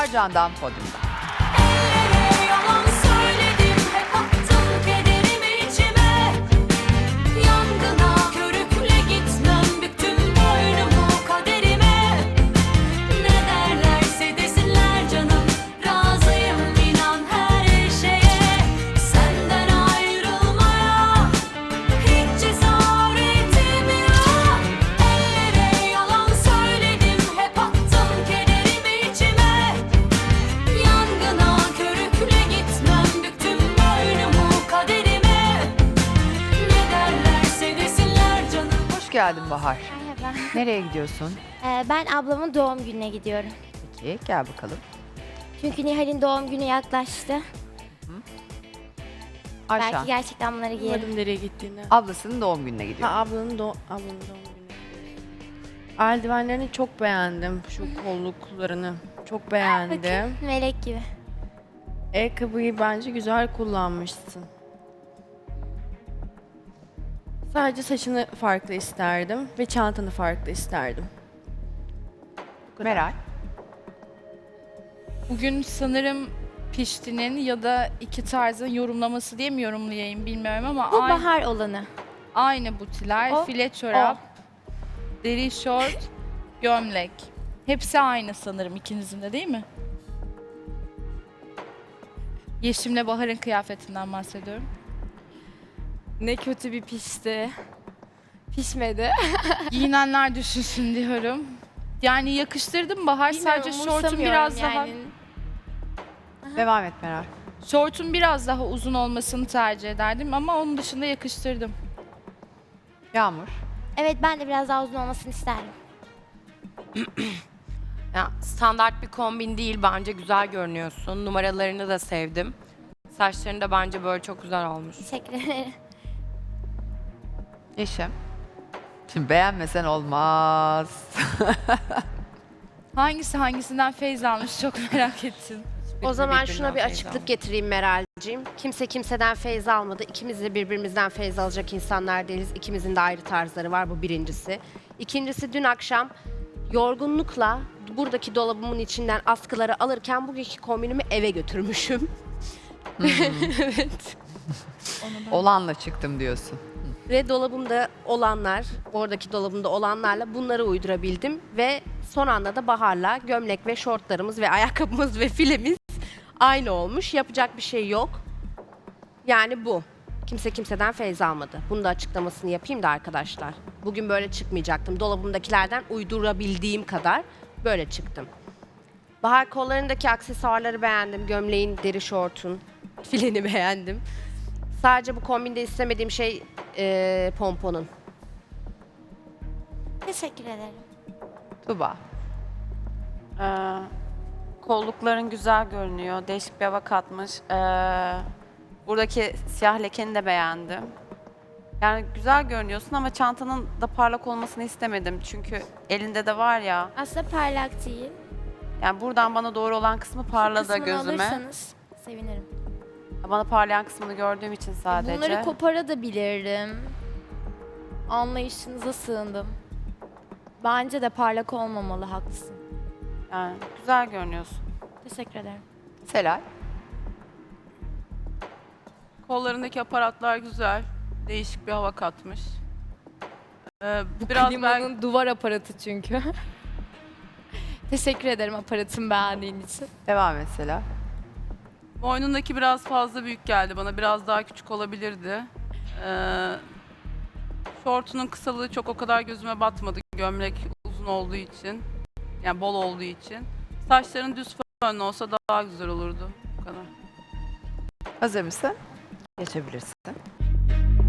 Bahar Candan podyumda. Yalan söyledim, hep attım kederimi içime. Yangına körükle gitmem, büktüm boynumu kaderime. Ne derlerse desinler canım, razıyım inan her şeye. Senden ayrılmaya hiç cesaretim yok. Ellere yalan söyledim, hep attım kederimi içime. Yangına körükle gitmem, büktüm boynumu kaderime. Ne derlerse desinler canım. Hoş geldin Bahar. Merhaba. Nereye gidiyorsun? Ben ablamın doğum gününe gidiyorum. Peki gel bakalım. Çünkü Nihal'in doğum günü yaklaştı. Ayşe. Belki gerçekten bunları giyerim. Anlamadım nereye gittiğini. Ablasının doğum gününe gidiyor. Ha ablanın doğum günü. Eldivenlerini çok beğendim. Şu kolluklarını çok beğendim. Bakın melek gibi. Ayakkabıyı bence güzel kullanmışsın. Sadece saçını farklı isterdim ve çantanı farklı isterdim. Bu kadar. Meral. Bugün sanırım piştinin ya da iki tarzın yorumlaması diye mi yorumlayayım bilmiyorum ama Bu aynı, bahar olanı. aynı butiler, O, file çorap, deri şort, gömlek. Hepsi aynı sanırım ikinizin de değil mi? Yeşim'le Bahar'ın kıyafetinden bahsediyorum. Ne kötü bir pişti. Pişmedi. Giyinenler düşünsün diyorum. Yani yakıştırdım Bahar, sadece Bilmiyorum, şortun umursamıyorum biraz daha yani. Devam et Meral. şortun biraz daha uzun olmasını tercih ederdim ama onun dışında yakıştırdım. Yağmur. Evet ben de biraz daha uzun olmasını isterdim. Ya, standart bir kombin değil, bence güzel görünüyorsun. Numaralarını da sevdim. Saçların da bence böyle çok güzel olmuş. Teşekkür ederim. Yeşim. Şimdi beğenmesen olmaz. Hangisi hangisinden feyz almış çok merak ettim. O zaman Birbirinden şuna bir feyz açıklık almış. getireyim Meral'cim. Kimse kimseden feyz almadı. İkimiz de birbirimizden feyz alacak insanlar değiliz. İkimizin de ayrı tarzları var, bu birincisi. İkincisi, dün akşam yorgunlukla buradaki dolabımın içinden askıları alırken bugünkü kombinimi eve götürmüşüm. Evet. Olanla çıktım diyorsun. Ve dolabımda olanlar, oradaki dolabımda olanlarla bunları uydurabildim. Ve son anda da Bahar'la gömlek ve şortlarımız ve ayakkabımız ve filemiz aynı olmuş. Yapacak bir şey yok. Yani bu. Kimse kimseden feyz almadı. Bunu da açıklamasını yapayım da arkadaşlar. Bugün böyle çıkmayacaktım. Dolabımdakilerden uydurabildiğim kadar böyle çıktım. Bahar, kollarındaki aksesuarları beğendim. Gömleğin, deri şortun, fileni beğendim. Sadece bu kombinde istemediğim şey pomponun. Teşekkür ederim. Tuba. Kollukların güzel görünüyor. Değişik bir hava katmış. Buradaki siyah lekeni de beğendim. Yani güzel görünüyorsun ama çantanın da parlak olmasını istemedim. Çünkü elinde de var ya. Aslında parlak değil. Yani buradan bana doğru olan kısmı parladı Kısmını gözüme. alırsanız sevinirim. Bana parlayan kısmını gördüğüm için sadece. Bunları koparabilirdim. Anlayışınıza sığındım. Bence de parlak olmamalı, haklısın. Yani güzel görünüyorsun. Teşekkür ederim. Selay. Kollarındaki aparatlar güzel. Değişik bir hava katmış. Bu Biraz klimanın duvar aparatı çünkü. Teşekkür ederim aparatımı beğendiğin için. Devam et Selay. boynundaki biraz fazla büyük geldi bana. Biraz daha küçük olabilirdi. Şortunun kısalığı çok o kadar gözüme batmadı. Gömlek uzun olduğu için. Yani bol olduğu için. Saçların düz fönlü olsa daha güzel olurdu. Bu kadar. Hazır mısın? Geçebilirsin.